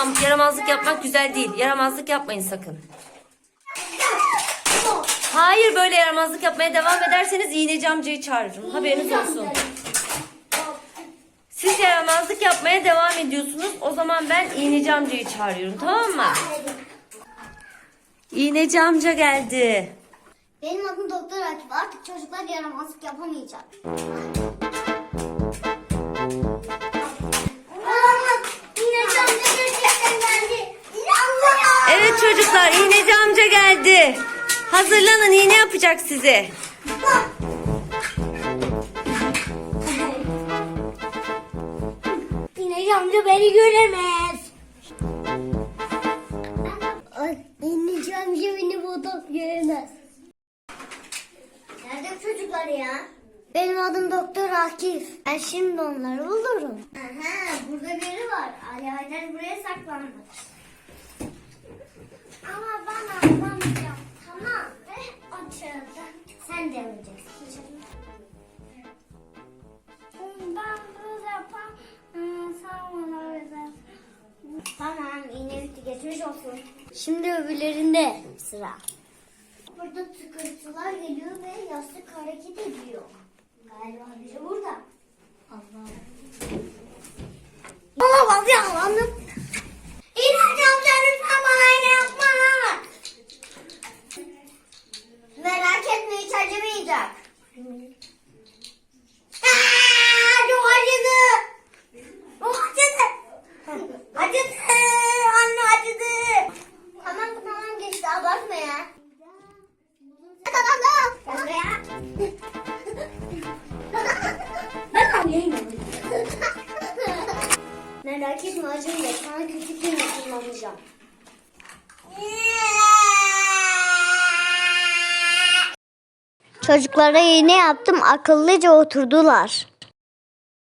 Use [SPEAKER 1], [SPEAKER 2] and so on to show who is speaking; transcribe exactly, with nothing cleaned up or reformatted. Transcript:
[SPEAKER 1] Tamam, yaramazlık yapmak güzel değil. Yaramazlık yapmayın sakın. Hayır, böyle yaramazlık yapmaya devam ederseniz iğneci amcayı çağırırım. Haberiniz olsun. Siz yaramazlık yapmaya devam ediyorsunuz. O zaman ben iğneci amcayı çağırıyorum, tamam mı? İğneci amca geldi.
[SPEAKER 2] Benim adım Doktor Akif. Artık çocuklar yaramazlık yapamayacak. Olamaz. İğneci amca gerçekten geldi. Allah!
[SPEAKER 1] Evet çocuklar, iğneci amca geldi. Hazırlanın, iğne yapacak size.
[SPEAKER 2] İğneci amca beni göremez. İğneci amca beni burada göremez. Nerede bu çocuklar ya? Benim adım Doktor Akif. Ben şimdi onları bulurum. Aha, burada biri var. Ali Haydar buraya saklanmış. Ama ben atlamayacağım. Tamam. Ve açıldı. Sen de öleceksin. Ben böyle yapam. Sen bana öyle. Tamam, iğne bitti. Geçmiş olsun. Şimdi öbürlerinde sıra. Burada tıkırtılar geliyor ve yastık hareket ediyor. Galiba biri burada. Allah. Olamaz ya Allah'ım. İğneci amca lütfen bana iğne yapma. Merak etme, hiç acımayacak. Aa, çok acıdı. Çok acıdı. Acıdı. Anne acıdı. Tamam tamam, geçti, abartma ya. Tamam ya. Ben alayım. Merak etme, acıyla sana kötü iğne kullanacağım. Çocuklara iğne yaptım, akıllıca oturdular.